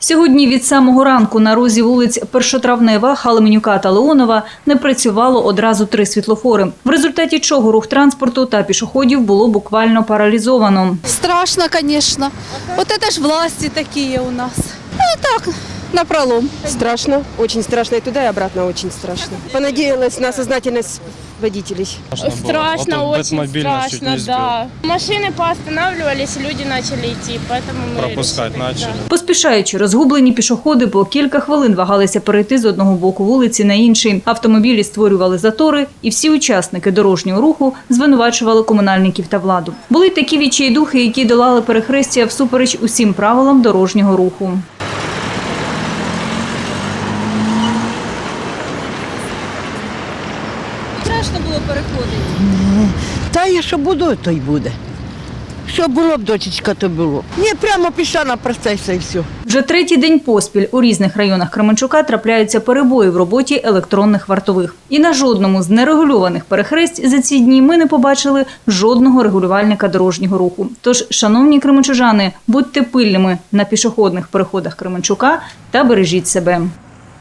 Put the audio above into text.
Сьогодні від самого ранку на розі вулиць Першотравнева, Халеменюка та Леонова не працювало одразу 3 світлофори, в результаті чого рух транспорту та пішоходів було буквально паралізовано. Страшно, конечно. Вот это ж власти такие у нас. Ну так, напролом. Страшно, очень страшно. И туда, и обратно очень страшно. Понадеялась на сознательность водителей. Страшно, очень страшно, да. Машины поостанавливались, люди начали идти, поэтому мы пропускать начали. Поспішаючи, розгублені пішоходи по кілька хвилин вагалися перейти з одного боку вулиці на інший. Автомобілі створювали затори, і всі учасники дорожнього руху звинувачували комунальників та владу. Були й такі відчайдухи, які долали перехрестя всупереч усім правилам дорожнього руху. Страшно було переходити. Та я що буду, то й буде. Що було б, дочечка, то було. Ні, прямо пішла на процесі і все. Вже 3-й день поспіль у різних районах Кременчука трапляються перебої в роботі електронних вартових. І на жодному з нерегульованих перехресть за ці дні ми не побачили жодного регулювальника дорожнього руху. Тож, шановні кременчужани, будьте пильними на пішохідних переходах Кременчука та бережіть себе.